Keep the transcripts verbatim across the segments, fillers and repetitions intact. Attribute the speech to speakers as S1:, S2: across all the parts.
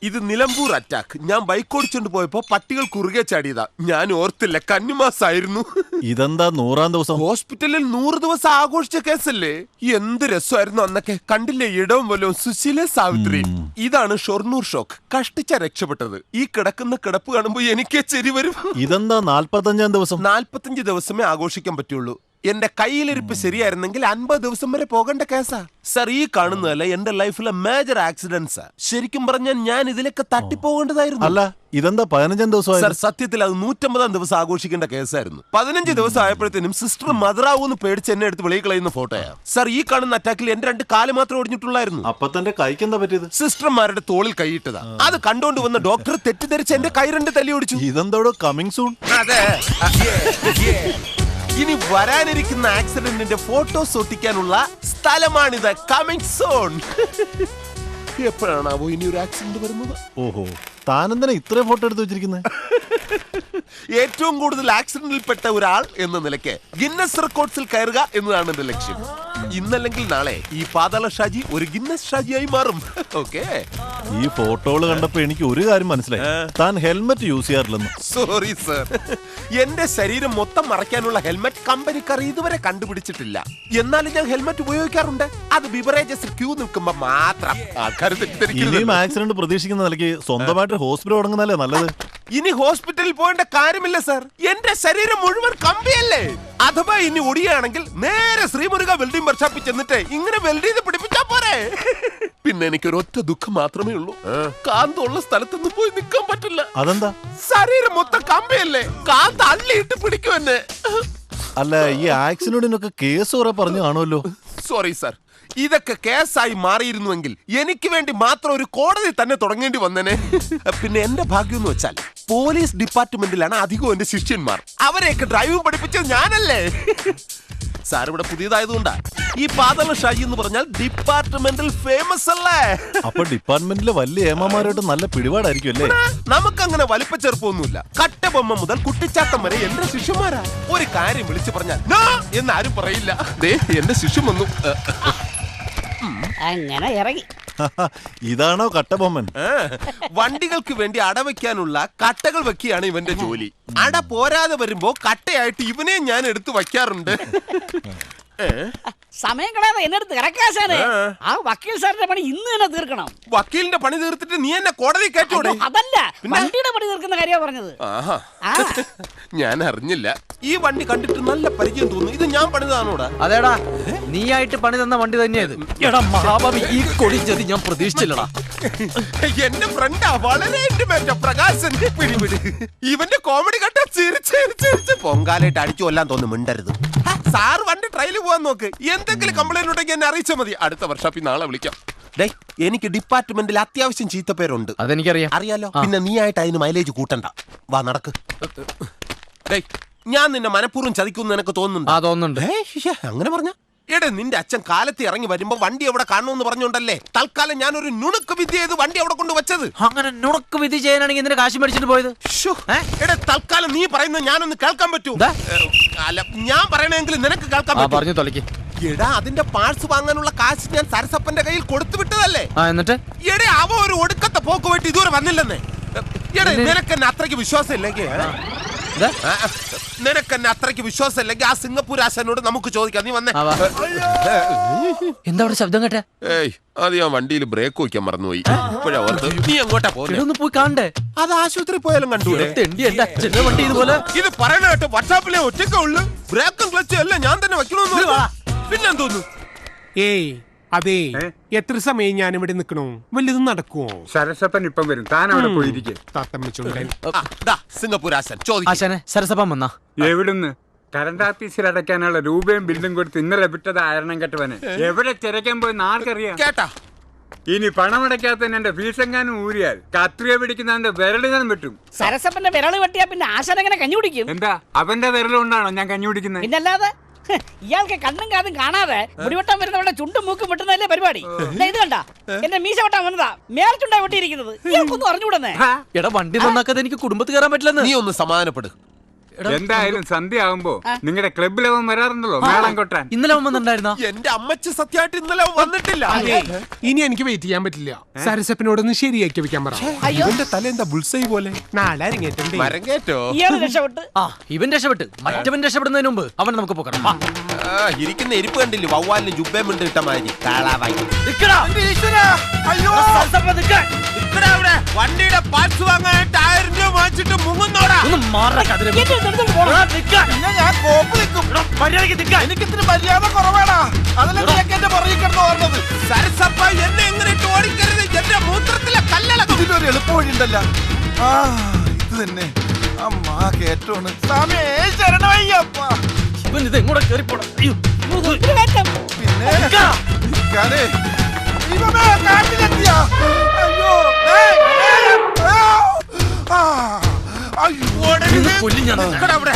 S1: ഇത് നിലമ്പൂർ അറ്റാക്ക്. ഞാൻ ബൈക്ക് ഓടിച്ചോണ്ട് പോയപ്പോ പട്ടികൾ കുറുകെ ചാടിയതാ. ഞാൻ ഓർത്തില്ല, കന്നിമാസായിരുന്നു.
S2: ഇതെന്താ നൂറാം ദിവസം?
S1: ഹോസ്പിറ്റലിൽ നൂറ് ദിവസം ആഘോഷിച്ച കേസല്ലേ. എന്ത് രസമായിരുന്നു അന്നൊക്കെ. കണ്ടില്ലേ ഇടവും വല്ലവും സുശീല സാവിത്രി. ഇതാണ് ഷൊർണൂർ ഷോക്ക്. കഷ്ടിച്ച രക്ഷപ്പെട്ടത്. ഈ കിടക്കുന്ന കിടപ്പ് കാണുമ്പോ എനിക്ക് ചെരി വരും.
S2: ഇതെന്താ നാല്പത്തഞ്ചാം ദിവസം?
S1: നാല്പത്തഞ്ച് ദിവസമേ ആഘോഷിക്കാൻ പറ്റുള്ളൂ. എന്റെ കയ്യിലിരിപ്പ് ശരിയായിരുന്നെങ്കിൽ അൻപത് ദിവസം വരെ പോകേണ്ട കേസാ സർ. ഈ കാണുന്നതല്ല എന്റെ ലൈഫിലെ മേജർ ആക്സിഡന്റ്സാ. ശരിക്കും പറഞ്ഞാൽ ഞാൻ ഇതിലൊക്കെ തട്ടിപ്പോകേണ്ടതായിരുന്നു.
S2: അല്ല, ഇതെന്താ പതിനഞ്ചാം ദിവസം?
S1: സർ സത്യത്തിൽ അത് നൂറ്റമ്പതാം ദിവസം ആഘോഷിക്കേണ്ട കേസായിരുന്നു. പതിനഞ്ച് ദിവസം ആയപ്പോഴത്തേനും സിസ്റ്റർ മദറാവൂന്ന് പേടിച്ച് എന്നെ എടുത്ത് വെളിയിൽ കളയുന്ന ഫോട്ടോയാ സർ. ഈ കാണുന്ന അറ്റാക്കിൽ എന്റെ രണ്ട് കാല് മാത്രം ഒടിഞ്ഞിട്ടുള്ളായിരുന്നു.
S2: അപ്പൊ തന്റെ കൈക്ക് എന്താ പറ്റിയത്?
S1: സിസ്റ്റർമാരുടെ തോളിൽ കൈയിട്ടതാ. അത് കണ്ടുകൊണ്ട് വന്ന ഡോക്ടർ തെറ്റിദ്ധരിച്ച് എന്റെ കൈ രണ്ട് തല്ലി ഓടിച്ചു.
S2: ഇതെന്തോടോ കമ്മിങ് സൂൺ?
S1: അതെ, ഇനി വരാനിരിക്കുന്ന ആക്സിഡന്റിന്റെ ഫോട്ടോസ് ഒട്ടിക്കാനുള്ള സ്ഥലമാണിത്. Coming zone. എപ്പോഴാണാവോ ഇനി ഒരു ആക്സിഡന്റ് വരുന്നത്?
S2: ഓഹോ, താനെന്തിനാ ഇത്രയും ഫോട്ടോ എടുത്ത് വെച്ചിരിക്കുന്നത്?
S1: ഏറ്റവും കൂടുതൽ ആക്സിഡന്റിൽ പെട്ട ഒരാൾ എന്ന നിലയ്ക്ക് ഗിന്നസ് റെക്കോർഡ്സിൽ കയറുക എന്നതാണ് എന്റെ ലക്ഷ്യം. ഇന്നല്ലെങ്കിൽ നാളെ ഈ പാതാള ഷാജി ഒരു ഗിന്നസ് ഷാജിയായി മാറും. ഓക്കെ.
S2: ഈ ഫോട്ടോകൾ കണ്ടപ്പോ എനിക്ക് ഒരു കാര്യം മനസ്സിലായി, താൻ ഹെൽമെറ്റ് യൂസ് ചെയ്യാറില്ലെന്ന്.
S1: സോറി സർ, എന്റെ ശരീരം മൊത്തം മറയ്ക്കാനുള്ള ഹെൽമെറ്റ് കമ്പനിക്കാർ ഇതുവരെ കണ്ടുപിടിച്ചിട്ടില്ല. എന്നാലും ഞാൻ ഹെൽമെറ്റ് ഉപയോഗിക്കാറുണ്ട്. അത് ബിവറേജസ് ക്യൂ നിൽക്കുമ്പോ മാത്രം.
S2: ഇനിയും ആക്സിഡന്റ് പ്രതീക്ഷിക്കുന്ന നിലയ്ക്ക് സ്വന്തമായിട്ട് ഹോസ്പിറ്റൽ തുടങ്ങുന്നല്ലേ നല്ലത്.
S1: ഇനി ഹോസ്പിറ്റലിൽ പോകേണ്ട കാര്യമില്ല സർ. എന്റെ ശരീരം മുഴുവൻ കമ്പിയല്ലേ. അഥവാ ഇനി ഒടിയാണെങ്കിൽ നേരെ ശ്രീമുരുക വെൽഡിംഗ് വർക്ക്ഷോപ്പിൽ ചെന്നിട്ട് ഇങ്ങനെ വെൽഡ് ചെയ്ത് പിടിപ്പിച്ചാ പോരെ. പിന്നെ എനിക്കൊരു ഒറ്റ ദുഃഖം മാത്രമേ ഉള്ളൂ, കാന്തുള്ള സ്ഥലത്തൊന്നും പോയി നിൽക്കാൻ പറ്റില്ല.
S2: അതെന്താ?
S1: ശരീരം മൊത്തം കമ്പിയല്ലേ, കാന്ത് അള്ളിയിട്ട് പിടിക്കും എന്നെ.
S2: അല്ല, ഈ ആക്സിഡന്റിനൊക്കെ കേസ് കുറെ പറഞ്ഞു കാണുമല്ലോ.
S1: സോറി സർ, ഇതൊക്കെ കേസായി മാറിയിരുന്നുവെങ്കിൽ എനിക്ക് വേണ്ടി മാത്രം ഒരു കോടതി തന്നെ തുടങ്ങേണ്ടി വന്നേനെ. പിന്നെ എന്റെ ഭാഗ്യം എന്ന് വെച്ചാൽ പോലീസ് ഡിപ്പാർട്ട്മെന്റിലാണ് അധികവും എന്റെ ശിഷ്യന്മാർ. അവരെയൊക്കെ ഡ്രൈവിംഗ് പഠിപ്പിച്ചത് ഞാനല്ലേ. സാർ ഇവിടെ പുതിയതായതുകൊണ്ടാ. ഈ പാതാള ഷാജി എന്ന് പറഞ്ഞാൽ ഡിപ്പാർട്ട്മെന്റിൽ ഫേമസ് അല്ലേ.
S2: അപ്പൊ ഡിപ്പാർട്ട്മെന്റിലെ വലിയ ഏമാമാരോട്ട് നല്ല പിടിപാടായിരിക്കും അല്ലേ?
S1: നമുക്കങ്ങനെ വലിപ്പ ചെറുപ്പമൊന്നുമില്ല. കട്ടബൊമ്മ മുതൽ കുട്ടിച്ചാത്തം വരെ എന്റെ ശിഷ്യന്മാരാ. ഒരു കാര്യം വിളിച്ചു പറഞ്ഞാൽ നോ എന്നാരും പറയില്ല. ദേ എന്റെ ശിഷ്യൻ വന്നു.
S3: അങ്ങനെ ഇറങ്ങി.
S2: ഇതാണോ കട്ടബൊമ്മൻ?
S1: വണ്ടികൾക്ക് വേണ്ടി അടവയ്ക്കാനുള്ള കട്ടകൾ വെക്കുകയാണ് ഇവന്റെ ജോലി. അട പോരാതെ വരുമ്പോ കട്ടയായിട്ട് ഇവനെ ഞാൻ എടുത്തു വയ്ക്കാറുണ്ട്.
S3: സമയം കളയാതെ എന്നെടുത്ത് കിടക്കാശാനെ. ആ വക്കീൽ സാറിന്റെ പണി ഇന്ന് തന്നെ തീർക്കണം.
S1: വക്കീലിന്റെ പണി തീർത്തിട്ട് നീ എന്നെ കോടതി കയറ്റോടെ?
S3: അതല്ല, വണ്ടിയുടെ പണി തീർക്കുന്ന കാര്യമാണ് പറഞ്ഞത്.
S1: ആഹാ, ഞാൻ അറിഞ്ഞില്ല. ഈ വണ്ടി കണ്ടിട്ട് നല്ല പരിചയം തോന്നുന്നു. ഇത് ഞാൻ പണിതാണോടാ?
S4: അതേടാ, നീ ആയിട്ട് പണി തന്ന വണ്ടി തന്നെയത്. എടാ മഹാഭാവി, ഈ കൊടിച്ചത് ഞാൻ പ്രതീക്ഷിച്ചില്ലടാ.
S1: എന്റെ ഫ്രണ്ടാ, വളരെ ഇന്റിമേറ്റ് പ്രകാശൻ. പിടിപിടി, ഇവന്റെ കോമഡി കണ്ട ചിരിച്ച് പൊങ്കാലായിട്ട് അടിച്ചു കൊല്ലാൻ തോന്നുന്നു. മിണ്ടരുത് സാർ. വണ്ടി ട്രയൽ പോവാൻ നോക്ക്. എന്തെങ്കിലും കംപ്ലൈന്റ് ഉണ്ടെങ്കിൽ എന്നെ അറിയിച്ചാൽ മതി. അടുത്ത വർഷാപ്പിൽ നാളെ വിളിക്കാം. ഡേ, എനിക്ക് ഡിപ്പാർട്ട്മെന്റിൽ അത്യാവശ്യം ചീത്തപ്പേരുണ്ട്.
S4: അതെനിക്കറിയാം.
S1: അറിയാലോ. പിന്നെ നീ ആയിട്ട് അതിന് മൈലേജ് കൂട്ടണ്ട. വാ നടക്ക്. ഡേ, ഞാൻ നിന്നെ മനഃപൂർവ്വം ചതിക്കുന്നു നിനക്ക് തോന്നുന്നുണ്ട്?
S4: ആ തോന്നുന്നുണ്ട്.
S1: അങ്ങനെ പറഞ്ഞ എടേ, നിന്റെ അച്ഛൻ കാലത്ത് ഇറങ്ങി വരുമ്പോ വണ്ടി എവിടെ കാണുമെന്ന് പറഞ്ഞോണ്ടല്ലേ തൽക്കാലം ഞാൻ ഒരു നുണുക്ക് വിദ്യ ചെയ്ത് വണ്ടി അവിടെ കൊണ്ട് വെച്ചത്.
S4: അങ്ങനെ നുണക്ക് വിധി ചെയ്യാനാണെങ്കിൽ എന്തിനാ കാശ് മേടിച്ചിട്ട് പോയത്?
S1: എടേ, തൽക്കാലം നീ പറയുന്നത് ഞാനൊന്ന് കേൾക്കാൻ പറ്റൂ? അല്ല, ഞാൻ പറയണെങ്കിൽ നിനക്ക് കേൾക്കാൻ
S4: പറഞ്ഞു തൊലക്ക്.
S1: എടാ, അതിന്റെ പാർട്സ് വാങ്ങാനുള്ള കാശ് ഞാൻ സരസപ്പന്റെ കയ്യിൽ കൊടുത്തു വിട്ടതല്ലേ.
S4: എന്നിട്ട്
S1: എടേ, അവ ഒരു ഒടുക്കത്തെ പോക്ക് പോയിട്ട് ഇതുവരെ വന്നില്ലെന്നേ. എടേ, നിനക്ക് എന്നെ അത്രയ്ക്ക് വിശ്വാസം ഇല്ലെങ്കിൽ നിനക്ക് എന്നെ അത്രയ്ക്ക് വിശ്വാസം ഇല്ലെങ്കിൽ ആ സിംഗപ്പൂർ ആശാനോട് നമുക്ക് ചോദിക്കാം. നീ വന്നേ.
S4: എന്താ അവിടെ ശബ്ദം കേട്ടെ?
S1: ഏയ്, അത് ഞാൻ വണ്ടിയിൽ ബ്രേക്ക് വയ്ക്കാൻ മറന്നുപോയി. ഇപ്പോഴാ ഓർത്ത്. നീ എങ്ങോട്ടാ പോകുന്നത്?
S4: പോയി കാണണ്ടേ?
S1: അത് ആശുപത്രി പോയാലും കണ്ടൂടെ?
S4: വണ്ടി ഇതുപോലെ.
S1: ഇത് പറയണ കേട്ടോ, വാട്സാപ്പിലെ ഒറ്റയ്ക്കേ ഉള്ളു. ബ്രേക്കും ക്ലച്ചും എല്ലാം ഞാൻ തന്നെ വെക്കണമെന്ന് പിന്നെന്തോന്നു?
S5: ഏയ് അതെ, എത്ര സമയം ഞാൻ ഇവിടെ നിൽക്കണോ? വല്ലതും നടക്കുവോ?
S6: സരസപ്പൻ ഇപ്പം വരും, താൻ അവിടെ പോയിരിക്കും.
S1: സിംഗപ്പൂർ ആശാൻ
S4: ആശാനെ, സരസപ്പൻ വന്നാ?
S6: എവിടുന്ന്? കറണ്ട് ഓഫീസിൽ അടയ്ക്കാനുള്ള രൂപയും ബില്ലും കൊടുത്ത് ഇന്നലെ വിട്ടത് ആരണം കെട്ടവന്. എവിടെ തിരക്കാൻ പോയി ആർക്കറിയാം?
S1: കേട്ടാ,
S6: ഇനി പണമടയ്ക്കാത്ത എന്റെ ഫീസെങ്ങാനും ഊരിയാൽ കത്രിയ പിടിക്കുന്ന വിരളിനും വെട്ടും.
S3: സരസപ്പന്റെ വിരള് വെട്ടിയാ പിന്നെ ആശാൻ എങ്ങനെ കഞ്ഞി കുടിക്കും?
S6: എന്താ അവന്റെ വിരലുകൊണ്ടാണോ ഞാൻ കഞ്ഞി കുടിക്കുന്നത്?
S3: പിന്നല്ലാതെ. ഇയാൾക്ക് കണ്ണും കാതും കാണാതെ മുടിവെട്ടാൻ വരുന്നവരുടെ ചുണ്ടും മൂക്കും വെട്ടുന്നതല്ലേ പരിപാടി. ഇത് കണ്ട, എന്റെ മീശ വെട്ടാൻ വന്നതാ, മേൽച്ചുണ്ടാ വെട്ടിയിരിക്കുന്നത്. ഇയാൾക്കൊന്നും അറിഞ്ഞുകൂടന്നേ.
S4: എടാ, വണ്ടി നന്നാക്കാതെ എനിക്ക് കുടുംബത്തിൽ കയറാൻ പറ്റില്ലെന്ന്.
S1: നീ ഒന്ന് സമാധാനപ്പെടും.
S6: എന്തായാലും സന്ധ്യ ആവുമ്പോ നിങ്ങളുടെ ക്ലബിലവൻ വരാറുണ്ടല്ലോ മേളം കൊട്ടാൻ.
S4: ഇന്നലെ അവൻ വന്നിട്ടുണ്ടായിരുന്ന
S1: എന്റെ അമ്മച്ചി സത്യമായിട്ട് ഇന്നലെ വന്നിട്ടില്ല.
S5: അതെ, ഇനി എനിക്ക് വെയിറ്റ് ചെയ്യാൻ പറ്റില്ല. സരസപ്പനോടൊന്ന് ശരിയാക്കി വെക്കാൻ പറ.
S3: അയ്യോ
S1: എന്റെ തല എന്താ ബുൾസൈ പോലെ
S5: നാളെ അരങ്ങേറ്റണ്ടേ.
S1: മരം കേറ്റോ?
S3: ഇയാള് രക്ഷപ്പെട്ട്
S4: ആ ഇവൻ രക്ഷപ്പെട്ട് മറ്റവൻ രക്ഷപ്പെടുന്നതിന് മുമ്പ് അവൻ നമുക്ക് പോക്കണം. വാ.
S1: ആ, ഇരിക്കുന്ന എരിപ്പ് കണ്ടില്ലേ, വവ്വാലിന് ജുബേം ഉണ്ട് കിട്ട മാതിരി. കാളാവായി.
S4: നിക്കടാ.
S1: അയ്യോ
S4: സരസപ്പ നിക്കാൻ.
S1: നിക്കടാ അവിടെ. വണ്ടിയുടെ പാർട്സ് വാങ്ങാനായിട്ട് ആയിരം രൂപ വാങ്ങിച്ചിട്ട് മുങ്ങുന്നോടാ.
S4: ഒന്ന് മാറാ കതിരെ.
S3: എന്നെ ഒന്ന് എടുത്തോണ്ട് പോണം.
S4: എടാ, നിക്കാൻ.
S1: ഞാൻ കോപ്പ് നിൽക്കും.
S4: മര്യാദയ്ക്ക് നിക്കാൻ.
S1: എനിക്ക് ഇത്തിരി മര്യാദ കുറവാടാ. അതല്ല നിനക്ക് എന്റെ പുറകിൽ കിടന്ന് ഓർമ്മത്. സരസപ്പ എന്നെ എങ്ങനെ ഇട്ട് ഓടിക്കരുത്. എന്റെ മൂത്രത്തിലെ കല്ലളക്കും.
S7: ഇതിനൊരു എളുപ്പ വഴിയുണ്ടല്ല. ആ ഇത് തന്നെ അമ്മാ കേറ്റോണ്. സ്വാമി ശരണമയ്യപ്പ.
S4: ഇവൻ ഇത് എങ്ങോട്ട് കേറിപ്പോണം. അയ്യോ
S3: ഒരു കയറ്റം.
S7: പിന്നെ
S4: നിക്കാ.
S7: നിക്കാനേ. ദൈവമേ, കാട്ടിലെത്തിയ. അയ്യോ ഏയ്, ഏയ്, ആ, അയ്യോ
S4: ഇന്ന് കൊല്ലും ഞാൻ.
S1: നിക്കടാ അവിടെ.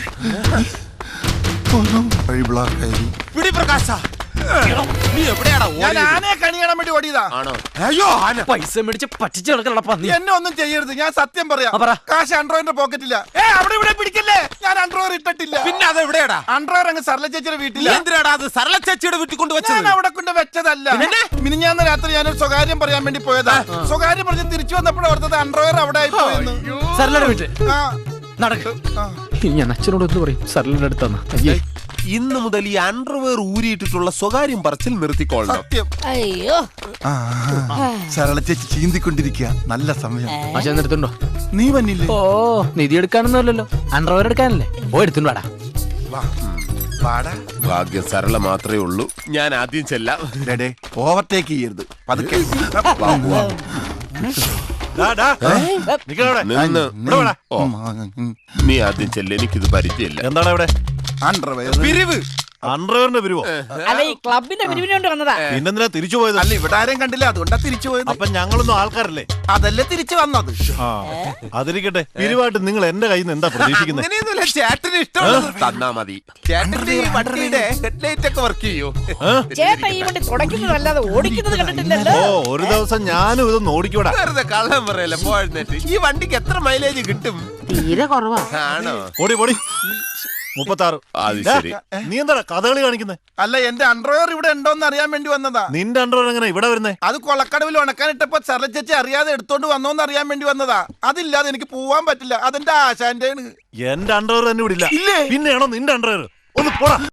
S7: ഒന്നും വഴി ബ്ലോക്കായി.
S1: പിടി പ്രകാശ. നീ എവിടെയാടാ
S7: ഞാൻ
S1: ഓടിയത്?
S7: ആനയെ കണി കാണാൻ വേണ്ടി ഓടിയതാ.
S1: ആണോ? അയ്യോ ആന.
S4: പൈസ മേടിച്ച് പറ്റിച്ച് കിടക്കണ പന്നി.
S7: എന്നെ ഒന്നും ചെയ്യരുത്, ഞാൻ സത്യം പറയാം.
S4: ആ, പറ.
S7: കാശ് അൺഡ്രോയിന്റെ പോക്കറ്റില്ല. ഏ അവിടെ ഇവിടെ പിടിക്കല്ലേ, ഞാൻ അൺഡ്രോയർ ഇട്ടിട്ടില്ല.
S1: പിന്നെ അത് എവിടെയാടാ?
S7: അൺഡ്രോയർ അങ്ങ് സർല ചേച്ചിയുടെ
S1: നീ
S7: വീട്ടില്ല.
S1: എന്തിനാടാ അത് സരള ചേച്ചിയുടെ വീട്ടിൽ കൊണ്ട്
S7: ഞാൻ
S1: വെച്ചത്?
S7: അവിടെ കൊണ്ട് വെച്ചതല്ല. മിനിഞ്ഞാന്ന് രാത്രി ഞാനൊരു സ്വകാര്യം പറയാൻ വേണ്ടി പോയതാ. സ്വകാര്യം പറഞ്ഞ് തിരിച്ചു വന്നപ്പോഴും ഓർത്തത് അൺഡ്രോയർ അവിടെ ആയി പോയെന്ന്.
S4: സരളയുടെ വീട്ടിൽ
S7: ആ,
S4: നടക്ക്.
S7: ആ.
S4: ഇനി ഞാൻ അച്ഛനോട് എന്ത് പറയും? സരളയുടെ അടുത്താന്ന്. അയ്യേ
S1: ഇന്ന് മുതൽ ഈ അണ്ടർവെയർ ഊരിയിട്ടിട്ടുള്ള സ്വകാര്യം പറച്ചിൽ നിർത്തിക്കോളണം.
S7: സത്യം.
S3: അയ്യോ
S7: ആ, സരള ചേച്ചി ചീന്തിക്കൊണ്ടിരിക്കുക. നല്ല സമയം.
S4: അച്ഛൻ എടുത്തുണ്ടോ?
S7: നീ വന്നില്ലേ?
S4: ഓ നിധി എടുക്കാനൊന്നും അല്ലല്ലോ, അണ്ടർവെയർ എടുക്കാനല്ലേ. ഓ എടുത്തുണ്ട് വാടാ.
S7: വാ. വാടാ.
S1: ഭാഗ്യം സരള മാത്രമേ ഉള്ളൂ. ഞാൻ ആദ്യം ചെല്ലാം.
S7: ഡേ ഓവർടേക്ക് ചെയ്യരുത്, പതുക്കെ. വാ, വാ.
S1: നിന്ന്. ഓ, നീ ആദ്യം ചെല്ല, എനിക്കിത് പരിചയമില്ല.
S2: എന്താണ് ഇവിടെ
S7: അണ്ടർവെയർ.
S1: പിരിവ്.
S2: അണ്ടർവെയറിന്റെ പിരിവോ?
S3: അല്ല ഈ ക്ലബിന്റെ പിരിവിന് കൊണ്ട് വന്നതാ.
S2: പിന്നെന്തിനാ തിരിച്ചു പോയത്?
S7: അല്ല ഇവിടെ ആരെയും കണ്ടില്ല, അതുകൊണ്ടാ തിരിച്ചു പോയത്.
S2: അപ്പൊ ഞങ്ങളൊന്നും ആൾക്കാരല്ലേ?
S7: അതല്ലേ തിരിച്ചു വന്നത്.
S2: ആ അതിരിക്കട്ടെ. പിരിവായിട്ട് നിങ്ങൾ എന്റെ കയ്യിൽ നിന്ന് എന്താ പ്രതീക്ഷിക്കുന്നത്?
S1: അങ്ങനെയൊന്നുമില്ല, ചേട്ടന് ഇഷ്ടമുള്ളത് തന്നാ മതി. ചേട്ടന്റെ ഈ വണ്ടിയുടെ ഹെഡ്ലൈറ്റ് ഒക്കെ വർക്ക് ചെയ്യോ?
S3: ചേട്ടൻ ഈ വണ്ടി തുടയ്ക്കുന്നതല്ലാതെ ഓടിക്കുന്നത് കണ്ടിട്ടില്ലല്ലോ.
S2: ഓ ഒരു ദിവസം ഞാനും ഇതൊന്ന് ഓടിക്കൂടാ.
S1: വെറുതെ കള്ളം പറയല്ലേ പോഴുന്നേറ്റ്. ഈ വണ്ടിക്ക് എത്ര മൈലേജ് കിട്ടും?
S3: തീരെ കുറവാ.
S1: ആണോ?
S2: ഓടി പൊടി. മുപ്പത്താറ്.
S1: അത് ശരി.
S2: നീ എന്താ കഥകളി കാണിക്കുന്നത്?
S7: അല്ല എന്റെ അണ്ടർവെയർ ഇവിടെ ഉണ്ടോന്ന് അറിയാൻ വേണ്ടി വന്നതാ.
S2: നിന്റെ അണ്ടർവെയർ എങ്ങനെ ഇവിടെ വരുന്നേ?
S7: അത് കൊളക്കടവിൽ ഉണക്കാനിട്ടപ്പോ സരള ചേച്ചി അറിയാതെ എടുത്തോണ്ട് വന്നോന്ന് അറിയാൻ വേണ്ടി വന്നതാ. അതില്ലാതെ എനിക്ക് പോവാൻ പറ്റില്ല. അതെന്റെ ആശാന്റെ
S2: എന്റെ അണ്ടർവെയർ തന്നെ ഇവിടെ ഇല്ല. പിന്നെയാണോ നിന്റെ അണ്ടർവെയർ? ഒന്ന് പോടാ.